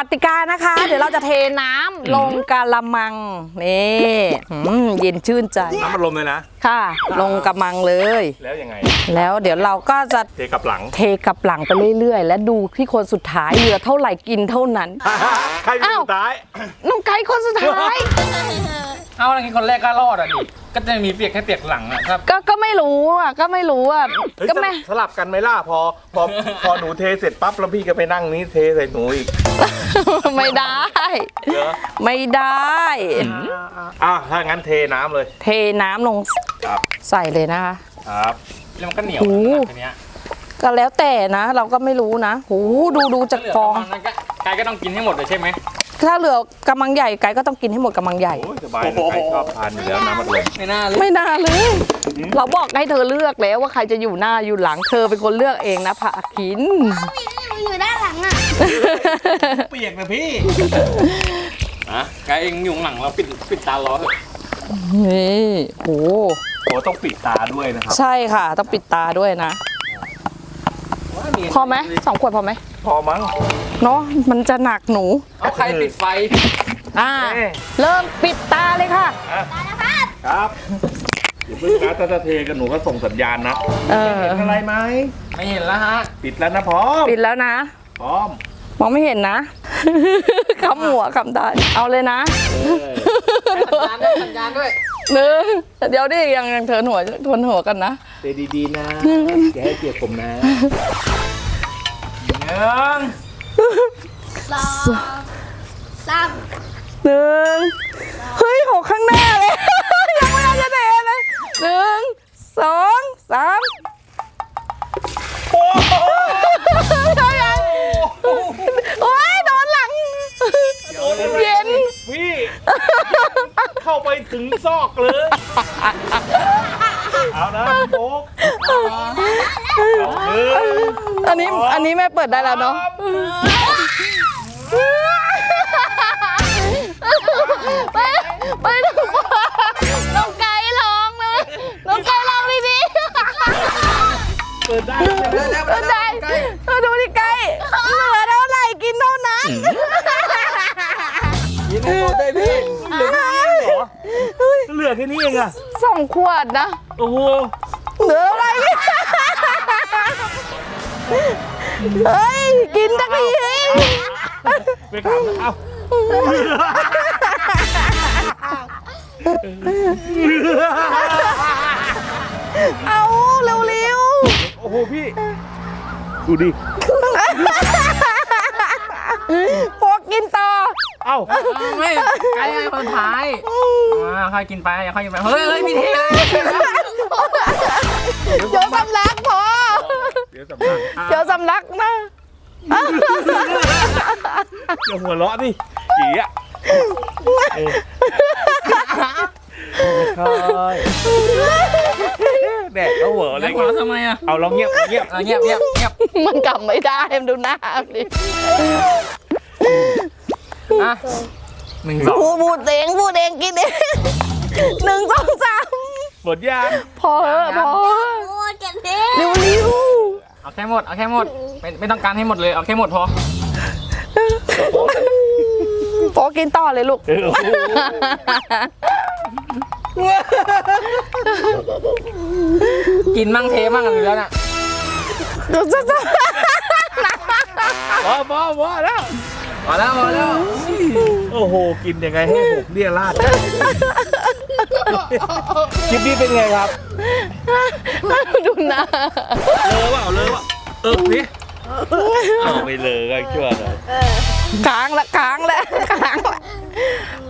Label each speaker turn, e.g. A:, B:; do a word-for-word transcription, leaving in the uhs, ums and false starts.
A: ติกานะคะ เดี๋ยวเราจะเทน้ำลงกะละมังนี่เย็นชื่นใจ
B: น้ำมันลมเลยนะ
A: ค่ะลงกะมังเลย
B: แล้วยังไง
A: แล้วเดี๋ยวเราก็จะ
B: เทกับหลัง
A: เทกับหลังไปเรื่อยๆและดูที่คนสุดท้ายเหลือเท่าไหร่กินเท่านั้น
B: ใครเป็นสุดท้าย
A: น้องไก่คนสุดท้าย
C: เอาอะไรคนแรกก็รอดอ่ะดิก็จะมีเปียกแค่เปียกหลังอ่ะครับ
A: ก็ก็ไม่รู้อ่ะก็ไม่รู้อ่ะก็ไม่
B: สลับกันไหมล่ะพอพอพอหนูเทเสร็จปั๊บแล้วพี่ก็ไปนั่งนี้เทใส่หนูอีก
A: ไม่ได้ไม่ได้
B: อ่ะถ้างั้นเทน้ำเลย
A: เทน้ำลงใส่เลยนะคะ
B: ครับ
C: แล้วมันก็เหนียวทีเนี้ย
A: ก็แล้วแต่นะเราก็ไม่รู้นะโหดูดูจากฟอง
C: ไก่ก็ต้องกินให้หมดเลยใช่ไหม
A: ถ้าเหลือกำมังใหญ่ไก่ก็ต้องกินให้หมดกำมังใหญ่
B: สบายใครชอบทานอยู่แล้วน้ำมันลม
C: ไม่น่าเลย
A: ไม่น่าเลยเราบอกให้เธอเลือกแล้วว่าใครจะอยู่หน้าอยู่หลังเธอเป็นคนเลือกเองนะผักขิน
D: อยู่ด้านหลังอ่ะ
C: เปียกนะพี่อ่ะไก่เองอยู่หลังเราปิดปิดตาล้อเถอะ
A: นี่โห
B: โหต้องปิดตาด้วยนะครับ
A: ใช่ค่ะต้องปิดตาด้วยนะพอไหมสองขวดพอไหม
B: พอมั้ง
A: เนาะมันจะหนักหนู
C: เอาใครปิดไฟ
A: อ่าเริ่มปิดตาเลยค่ะ
B: ครับอย่าเพิ่งนะถ้าจะเทกันหนูก็ส่งสัญญาณนะเห็นอะไรไหม
C: ไม่เห็นแล้วฮะ
B: ปิดแล้วนะพร้อม
A: ปิดแล้วนะ
B: พร้อม
A: มองไม่เห็นนะคำหัวคำได้เอาเลยนะ
C: สัญญาณด้วยสัญญาณด้วย
A: หนึ่งเดี๋ยวดิยังยังเทินหัวทวนหัวกันนะ
B: เทดีๆนะอย่าให้เปียกผมนะ
C: หนึ่ง
D: สองสาม
A: หนึ่งเฮ้ยหกข้างหน้าเลยยังไม่ได้จะเทเลยหนึ่งสองสามโอ้โหโอ้ยโดนหลังเย็น
B: พี่เข้าไปถึงซอกเลยเอานะโป๊ก
A: อันนี้อันนี้แม่เปิดได้แล้วเนาะไปไปน้องไก่ร้องเลยน้องไก่ร้องดีๆ
B: เปิดได้
A: เปิดได้ดูดิไก่เหลือเท่าไหร่กินเท่านั้น
B: กินให้หมดได้พี่เหลือแค่นี้เหรอเหลือแค่นี้เองอะ
A: สองขวดนะ
B: โอ้โห
A: เหลืออะไรเฮ้ยกินตั้งที
B: ไปถามเอา
A: เอาเร็ว
B: ๆโอ้โหพี่ดูดิ
A: พวกกินต่อ
B: เอ้า
C: ไม่ไก่ให้คนท้ายอ่าใครกินไปอย่าใครกินไปเฮ้ยเฮ้ยพี่เท
A: เดี๋ยวสำลักพอ
B: เดี๋ยวสำลัก
A: เดี๋ยวสำลักนะ
B: อย่าหัวเราะดิจีอ่ะแดดเขาหัวอะไร
C: กันทำไมอ่ะ
B: เอาลองเงียบเงียบ
C: เงียบเงียบเงียบ
A: มันกลับไม่ได้มันดูหน้าดิ
C: อ่ะหนึ่งสอง
A: พูดเองพูดเองกินเองหนึ่งสองสาม
B: หมดยัง
A: พอพอเร็วเร็ว
C: เอาแค่หมดเอาแค่หมดไม่ไม่ต้องการให้หมดเลยเอาแค่หมดพอ
A: พอกินต่อเลยลูก
C: กินมั่งเทมั่งอะไรแล้วน่ะ
B: พอพอพอแล้ว
C: พอแล้วพอแล้ว
B: โอ้โหกินยังไงให้ผมเรียราดคลิปนี้เป็นไงครับ
A: ดูหน้า
B: เลอะเปล่าเลอะเปล่าเออนี่เอาไม่เลอะก็ชั่วเลย
A: ค้างละค้างละค้างละ